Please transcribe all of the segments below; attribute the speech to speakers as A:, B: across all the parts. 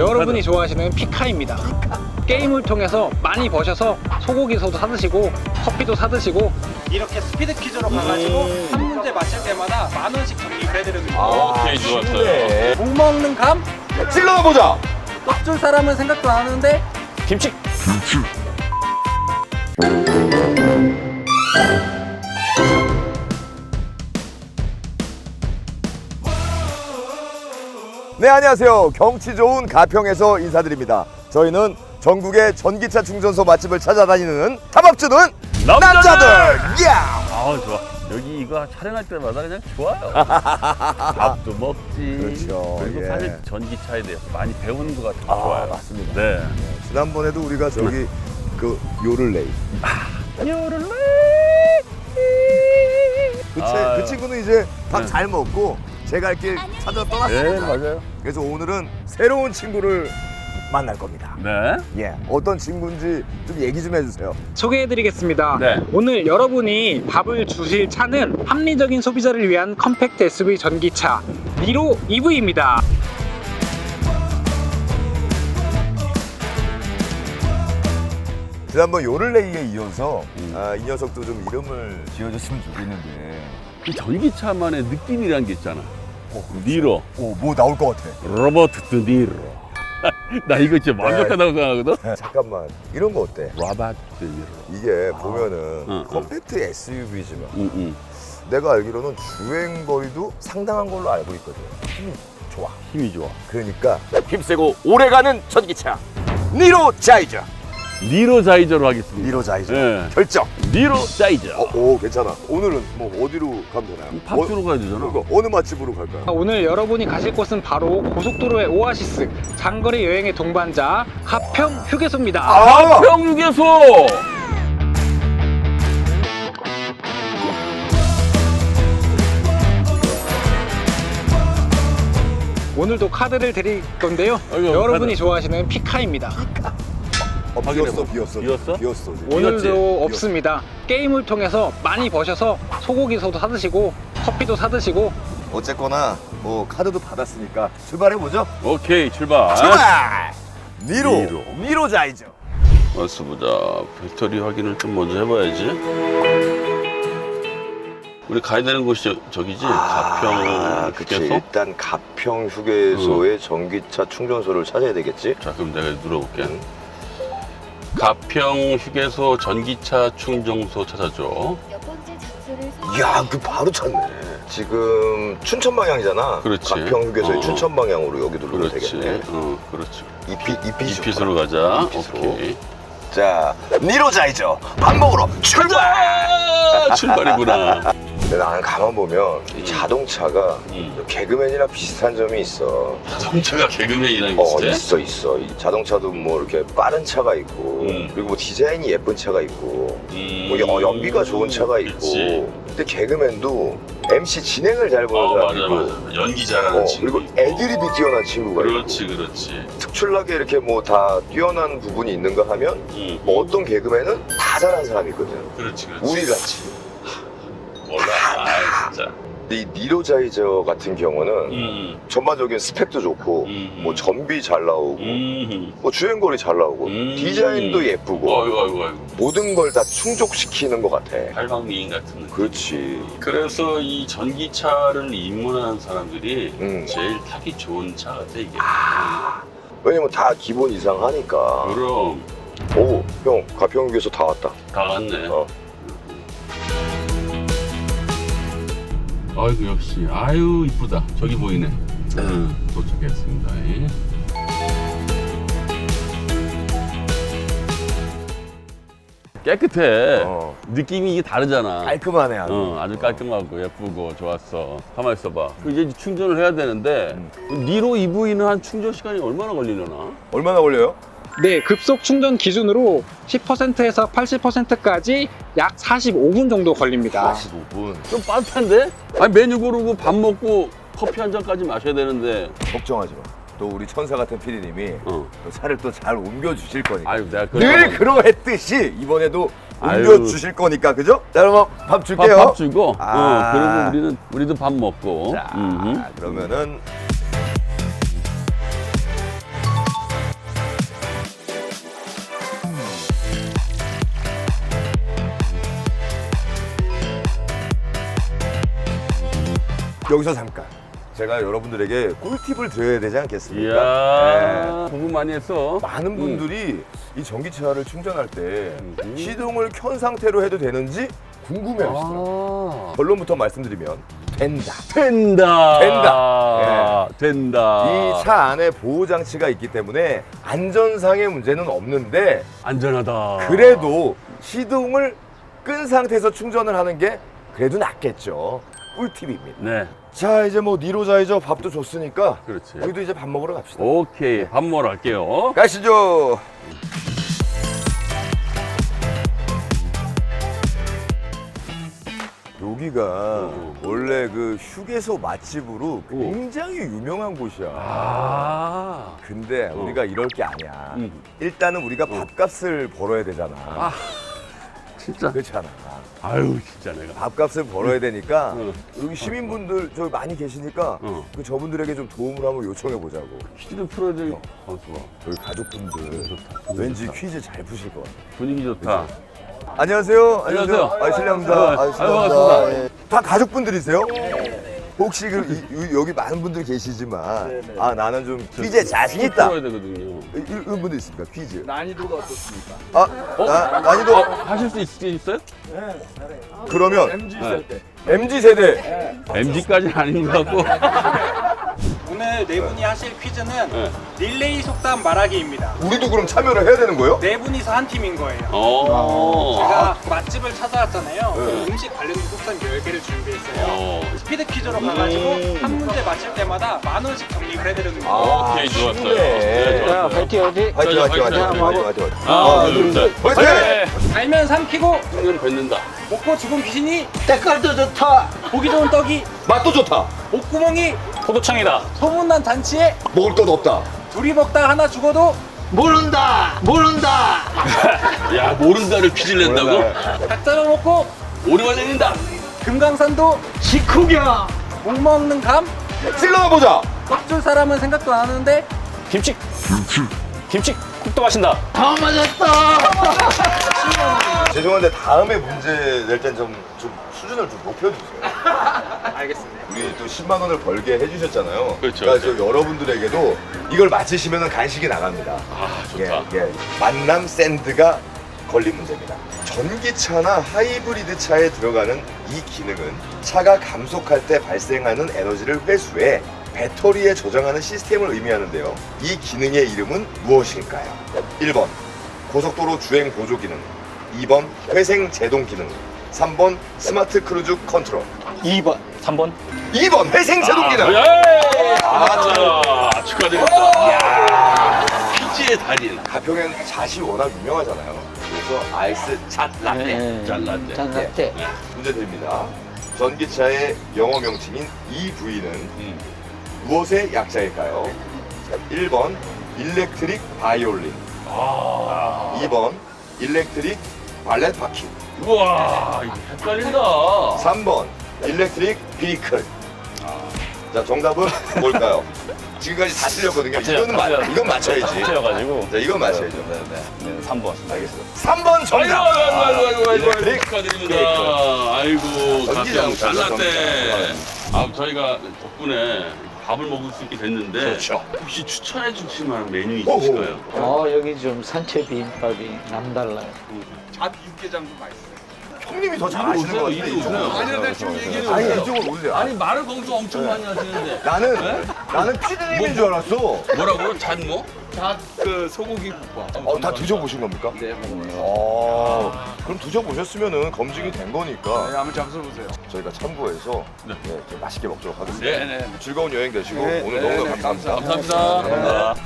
A: 여러분이 좋아하시는 피카입니다. 게임을 통해서 많이 버셔서 소고기소도 사드시고 커피도 사드시고 이렇게 스피드 퀴즈로 가가지고 한 문제 맞힐 때마다 10,000원씩 적립을 해드립니다.
B: 오케이, 좋았어요.
A: 못 먹는 감?
C: 찔러보자.
A: 떡줄 사람은 생각도 안 하는데
C: 김치. 네, 안녕하세요. 경치 좋은 가평에서 인사드립니다. 저희는 전국의 전기차 충전소 맛집을 찾아다니는 탐합주는 남자들! 야!
B: 아, 좋아. 여기 이거 촬영할 때마다 그냥 좋아요. 밥도 먹지.
C: 그렇죠.
B: 그리고
C: 예.
B: 사실 전기차에 대해서 많이 배우는 것 같아서 좋아요.
C: 맞습니다.
B: 네.
C: 지난번에도 우리가 저기 그 요를레이.
B: 아유.
C: 그 친구는 이제 밥
B: 네.
C: 잘 먹고 제 갈 길 찾아 떠났습니다.
B: 네, 맞아요.
C: 그래서 오늘은 새로운 친구를 만날 겁니다.
B: 네.
C: 예, 어떤 친구인지 좀 얘기 좀 해주세요.
A: 소개해드리겠습니다.
B: 네.
A: 오늘 여러분이 밥을 주실 차는 합리적인 소비자를 위한 컴팩트 SUV 전기차 니로 EV입니다.
C: 지난번 요를레이에 이어서 이 녀석도 좀 이름을 지어줬으면 좋겠는데.
B: 이 전기차만의 느낌이란 게 있잖아. 니로.
C: 뭐 나올 것 같아.
B: 로버트 드 니로. 나 이거 진짜 완벽하다고 생각하거든?
C: 잠깐만, 이런 거 어때?
B: 로버트 드 니로.
C: 이게 보면은
B: 응.
C: 컴팩트 SUV지만
B: 응.
C: 내가 알기로는 주행거리도 상당한 걸로 알고 있거든. 힘이 좋아.
B: 힘이 좋아.
C: 그러니까 힘세고 오래가는 전기차 니로 자이저.
B: 니로 자이저로 하겠습니다.
C: 니로 자이저.
B: 네.
C: 결정.
B: 니로 자이저.
C: 오, 괜찮아. 오늘은 뭐 어디로 가면 되나요?
B: 밥 주러 가야 되잖아.
C: 그러니까 어느 맛집으로 갈까요?
A: 오늘 여러분이 가실 곳은 바로 고속도로의 오아시스, 장거리 여행의 동반자 가평 휴게소입니다.
B: 평유계소.
A: 오늘도 카드를 드릴 건데요.
B: 아이고,
A: 여러분이
B: 카드.
A: 좋아하시는 피카입니다.
C: 비었어,
B: 확인해봐.
C: 비었어.
B: 비었어?
C: 비었어. 지금.
A: 오늘도
B: 비었지?
A: 없습니다. 게임을 통해서 많이 버셔서 소고기소도 사드시고 커피도 사드시고
C: 어쨌거나 뭐 카드도 받았으니까 출발해 보죠.
B: 오케이, 출발.
C: 출발. 니로.
B: 니로.
C: 니로 자이저.
B: 어서 보자. 배터리 확인을 좀 먼저 해봐야지. 우리 가야 되는 곳이 저기지? 가평
C: 그치.
B: 휴게소?
C: 일단 가평 휴게소의 전기차 충전소를 찾아야 되겠지.
B: 자, 그럼 내가 눌러볼게.
C: 응.
B: 가평 휴게소 전기차 충전소 찾아줘.
D: 몇 번째 장소를
C: 이야, 그 바로 찾네. 지금 춘천 방향이잖아.
B: 그렇지.
C: 가평 휴게소의
B: 어.
C: 춘천 방향으로 여기 누르면
B: 그렇지.
C: 되겠네.
B: 그렇지.
C: 이핏으로
B: 이핏으로 가자.
C: 이핏으로.
B: 오케이.
C: 자, 니로 자이저 밥 먹으러 출발.
B: 가자! 출발이구나.
C: 근데 나는 가만 보면 이 자동차가
B: 음.
C: 개그맨이랑 비슷한 점이 있어.
B: 자동차가 개그맨이랑 비슷해?
C: 있어. 이 자동차도 뭐 이렇게 빠른 차가 있고,
B: 음.
C: 그리고 뭐 디자인이 예쁜 차가 있고, 뭐 연비가 좋은 차가 있고.
B: 그치.
C: 근데 개그맨도 MC 진행을 잘 보는
B: 맞아,
C: 사람이고,
B: 맞아. 연기 잘하는 친구.
C: 그리고 애드립이 뛰어난 친구가
B: 그렇지,
C: 있고,
B: 그렇지.
C: 특출나게 이렇게 뭐 다 뛰어난 부분이 있는가 하면, 뭐 어떤 개그맨은 다 잘하는 사람이 있거든.
B: 그렇지, 그렇지.
C: 우리 같이.
B: 몰라. 아, 진짜.
C: 근데 이 니로자이저 같은 경우는 전반적인 스펙도 좋고, 뭐 전비 잘 나오고, 뭐 주행거리 잘 나오고, 디자인도 예쁘고,
B: 아이고.
C: 모든 걸 다 충족시키는 것 같아.
B: 팔방미인 같은 느낌.
C: 그렇지.
B: 그래서 이 전기차를 입문하는 사람들이 제일 타기 좋은 차 같아, 이게.
C: 왜냐면 다 기본 이상 하니까.
B: 그럼
C: 오, 형, 가평역에서 다 왔다.
B: 다 왔네.
C: 어.
B: 아이고, 역시. 아유, 이쁘다. 저기 보이네. 도착했습니다. 깨끗해. 느낌이 이게 다르잖아.
C: 깔끔하네, 아주.
B: 아주 깔끔하고 예쁘고 좋았어. 가만 있어봐. 이제 충전을 해야 되는데 니로 EV는 한 충전 시간이 얼마나 걸리려나?
C: 얼마나 걸려요?
A: 네, 급속 충전 기준으로 10%에서 80%까지 약 45분 정도 걸립니다.
C: 45분.
B: 좀 빠듯한데? 아니 메뉴 고르고 밥 먹고 커피 한 잔까지 마셔야 되는데.
C: 걱정하지 마. 또 우리 천사 같은 PD님이 또 차를 또 잘 옮겨주실 거니까.
B: 아유, 내가
C: 늘 그러했듯이 이번에도
B: 아유.
C: 옮겨주실 거니까, 그죠? 자, 그럼 밥 줄게요.
B: 밥 주고
C: 아.
B: 그리고 우리도 밥 먹고.
C: 자, 그러면은 여기서 잠깐 제가 여러분들에게 꿀팁을 드려야 되지 않겠습니까?
B: 이야, 공부 많이 했어.
C: 많은 분들이 이 전기차를 충전할 때 시동을 켠 상태로 해도 되는지 궁금해하시더라고요. 결론부터 말씀드리면 된다.
B: 된다.
C: 된다.
B: 된다.
C: 이 차 안에 보호 장치가 있기 때문에 안전상의 문제는 없는데
B: 안전하다.
C: 그래도 시동을 끈 상태에서 충전을 하는 게 그래도 낫겠죠. 꿀팁입니다.
B: 네.
C: 자, 이제 뭐 니로자이저 밥도 줬으니까
B: 그렇지.
C: 우리도 이제 밥 먹으러 갑시다.
B: 오케이. 밥 먹으러 갈게요.
C: 가시죠. 여기가 원래 그 휴게소 맛집으로 굉장히 유명한 곳이야.
B: 아.
C: 근데 우리가 이럴 게 아니야.
B: 음.
C: 일단은 우리가 밥값을 벌어야 되잖아.
B: 진짜.
C: 그렇잖아.
B: 아유, 진짜 내가.
C: 밥값을 벌어야 되니까
B: 응.
C: 여기 시민분들 저기 많이 계시니까
B: 응.
C: 그 저분들에게 좀 도움을 한번 요청해 보자고.
B: 퀴즈를 풀어야 돼. 광수가.
C: 저희 가족분들
B: 좋다.
C: 왠지 퀴즈 잘 푸실 것 같아요.
B: 분위기 좋다.
C: 안녕하세요.
B: 안녕하세요.
C: 아, 실례합니다.
B: 아유, 반갑습니다.
C: 예. 다 가족분들이세요? 혹시 여기 많은 분들이 계시지만 아 나는 좀 퀴즈에 자신 있다.
B: 풀어야 되거든요.
C: 이런 분들 있습니까? 퀴즈.
D: 난이도가 어떻습니까?
C: 난이도
B: 하실 수 있어요?
C: 그러면
D: MG 세대.
C: MZ 세대.
B: MG까지는 아닌 것 같고.
A: 오늘 네 분이 하실 퀴즈는
B: 네.
A: 릴레이 속담 말하기입니다.
C: 우리도 그럼 참여를 해야 되는 거예요?
A: 네 분이서 한 팀인 거예요.
B: 어.
A: 제가 맛집을 찾아왔잖아요. 음식 관련된 속담 10개를 준비했어요. 스피드 퀴즈로 가가지고 한 문제 맞힐 때마다 10,000원씩 적립을 해드리는 거예요.
B: 오케이, 좋았어요.
C: 쉽네.
B: 네, 좋았어요.
A: 화이팅 화이팅!
C: 화이팅 화이팅 화이팅
B: 화이팅,
C: 화이팅 화이팅
B: 하나, 둘, 셋.
C: 화이팅!
A: 알면 삼키고
B: 승리를 뱉는다.
A: 먹고 죽은 귀신이 때깔도 좋다. 보기 좋은 떡이
C: 맛도 좋다.
A: 목구멍이
E: 포도청이다.
A: 소문난 잔치에
C: 먹을 것 없다.
A: 둘이 먹다 하나 죽어도
E: 모른다.
B: 야, 모른다를 퀴즈를 낸다고?
A: 닭 잡아먹고
B: 오리만 내린다.
A: 금강산도
E: 식후경.
A: 목 먹는 감
C: 찔러나 보자.
A: 꽉줄 사람은 생각도 안 하는데
E: 김치. 김치국도 마신다. 다 맞았다.
C: 죄송한데 다음에 문제 낼 땐 좀 수준을 좀 높여주세요.
A: 알겠습니다.
C: 우리 또 10만 원을 벌게 해주셨잖아요.
B: 그렇죠,
C: 그러니까
B: 그렇죠.
C: 저 여러분들에게도 이걸 맞히시면 간식이 나갑니다.
B: 아, 좋다.
C: 예. 만남 샌드가 걸린 문제입니다. 전기차나 하이브리드 차에 들어가는 이 기능은 차가 감속할 때 발생하는 에너지를 회수해 배터리에 저장하는 시스템을 의미하는데요. 이 기능의 이름은 무엇일까요? 1번 고속도로 주행 보조 기능, 2번 회생 제동 기능, 3번 스마트 크루즈 컨트롤.
E: 2번. 3번.
C: 2번 회생 제동 기능.
B: 아, 축하드립니다. 퀴즈의 달인.
C: 가평엔 잣이 워낙 유명하잖아요. 그래서 아이스 잣 라떼.
B: 잘났네.
C: 문제 드립니다. 전기차의 영어 명칭인 이 부위는 무엇의 약자일까요? 1번 일렉트릭 바이올린, 2번 일렉트릭 발렛 바퀴,
B: 우와, 이거 헷갈린다.
C: 3번 일렉트릭 비클. 자, 정답은 뭘까요? 지금까지 다 틀렸거든요. 이건 맞춰야지.
E: 틀려가지고.
C: 자, 이건 맞춰야죠.
E: 네, 3번.
C: 알겠습니다. 3번 정답.
B: 아이고,
C: 일렉트릭
B: 축하드립니다.
C: 비클.
B: 아이고,
C: 전기장
B: 가평 잘났대.
C: 전기장.
B: 아, 저희가 덕분에 밥을 먹을 수 있게 됐는데
C: 그렇죠.
B: 혹시 추천해 주실 만한 메뉴
C: 오호.
B: 있으실까요?
F: 여기 좀 산채 비빔밥이 남달라요.
A: 잣 육개장도 맛있어요.
C: 형님이 더 잘 아시는 것 같은데.
B: 이리 오세요.
C: 아니,
B: 대충 얘기해
C: 아니,
B: 오세요.
C: 이쪽으로 오세요.
B: 아니, 말을 거기서 엄청 많이 하시는데.
C: 나는 피디님인 줄 알았어.
B: 뭐라고요? 잣뭐?
A: 그 소고기 국밥.
C: 다 드셔보신 겁니까?
A: 네, 먹어요.
C: 그럼 드셔보셨으면은 검증이 된 거니까
A: 한번 잡숴보세요.
C: 저희가 참고해서
B: 네.
C: 좀 맛있게 먹도록 하겠습니다.
B: 네.
C: 즐거운 여행 되시고
A: 네,
C: 오늘
A: 네,
C: 너무
A: 네,
C: 감사합니다.
B: 감사합니다.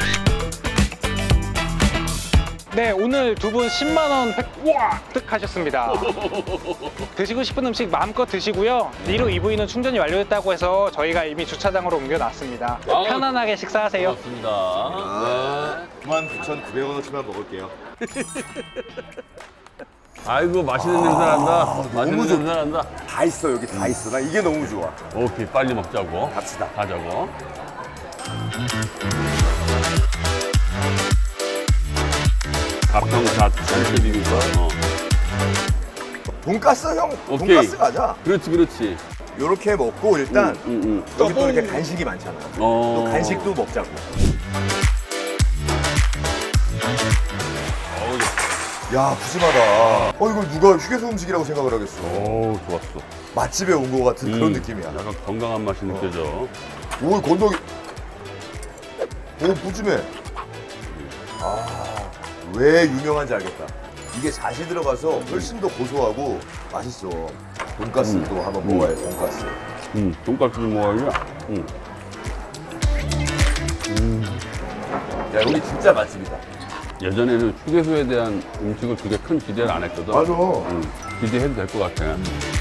A: 네, 오늘 두 분 10만 원 획득하셨습니다. 드시고 싶은 음식 마음껏 드시고요. 니로 EV는 충전이 완료됐다고 해서 저희가 이미 주차장으로 옮겨놨습니다.
B: 아우.
A: 편안하게 식사하세요.
B: 고맙습니다.
C: 아, 99,900원어치만 먹을게요.
B: 아이고, 맛있는 냄새 난다. 맛있는
C: 좋다.
B: 냄새 난다.
C: 다 있어, 여기 다 있어. 나 이게 너무 좋아.
B: 오케이, 빨리 먹자고.
C: 갑시다.
B: 가자고. 가평잣 산채 비빔밥.
C: 돈가스 형,
B: 오케이.
C: 돈가스 가자.
B: 그렇지.
C: 요렇게 먹고 일단 여기 또 이렇게
B: 어.
C: 간식이 많잖아. 또 간식도 먹자고. 야, 푸짐하다. 이거 누가 휴게소 음식이라고 생각을 하겠어.
B: 오, 좋았어.
C: 맛집에 온 것 같은 그런 느낌이야.
B: 약간 건강한 맛이 느껴져.
C: 오, 건더기. 오, 푸짐해. 왜 유명한지 알겠다. 이게 잣이 들어가서 훨씬 더 고소하고 맛있어. 돈가스도 한번 먹어야 돼, 돈가스.
B: 돈가스 좀 먹어야지.
C: 야, 여기 진짜 맛집이다.
B: 예전에는 휴게소에 대한 음식을 그렇게 큰 기대를 안 했거든.
C: 맞아.
B: 기대해도 될 것 같아.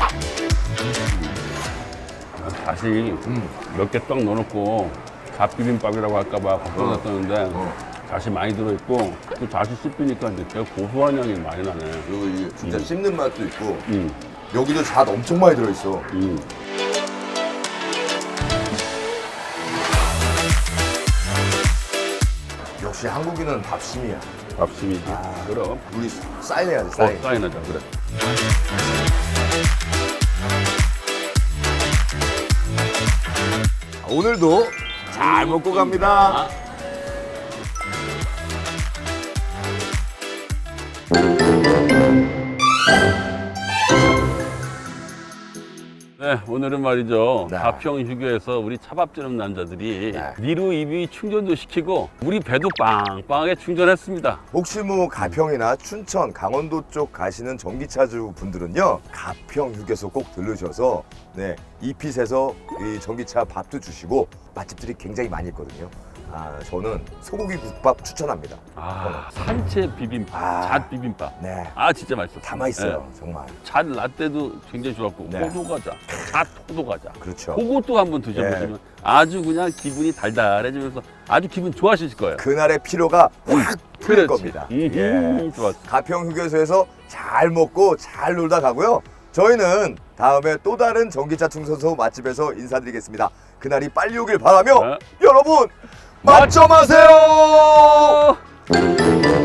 B: 다시 몇 개 떡 넣어놓고 갓비빔밥이라고 할까봐 걱정했었는데 다시 많이 들어있고 또 다시 씹히니까 이제 되게 고소한 향이 많이 나네.
C: 그리고 이게 진짜 씹는 맛도 있고 여기도 잣 엄청 많이 들어있어. 역시 한국인은 밥심이야.
B: 밥심이지. 그럼.
C: 우리 사인해야 돼, 사인.
B: 사인하자, 그래.
C: 오늘도 잘 먹고 갑니다.
B: 네, 오늘은 말이죠.
C: 네.
B: 가평 휴게에서 우리 차밥 지는 남자들이
C: 네.
B: 니루 EV 충전도 시키고 우리 배도 빵빵하게 충전했습니다.
C: 혹시 뭐 가평이나 춘천, 강원도 쪽 가시는 전기차주 분들은요, 가평 휴게소 꼭 들르셔서 이핏에서 이 전기차 밥도 주시고 맛집들이 굉장히 많이 있거든요. 저는 소고기 국밥 추천합니다.
B: 산채 비빔밥, 잣 비빔밥.
C: 네,
B: 진짜 맛있어.
C: 다 맛있어요, 정말.
B: 잣 라떼도 굉장히 좋았고
C: 네.
B: 호두과자, 잣 호두과자.
C: 그렇죠.
B: 그것도 한번 드셔보시면 아주 그냥 기분이 달달해지면서 아주 기분 좋아하실 거예요.
C: 그날의 피로가 확 풀릴
B: 그렇지.
C: 겁니다. 예.
B: 좋았어.
C: 가평 휴게소에서 잘 먹고 잘 놀다 가고요. 저희는 다음에 또 다른 전기차 충전소 맛집에서 인사드리겠습니다. 그날이 빨리 오길 바라며
B: 네.
C: 여러분 맛점하세요.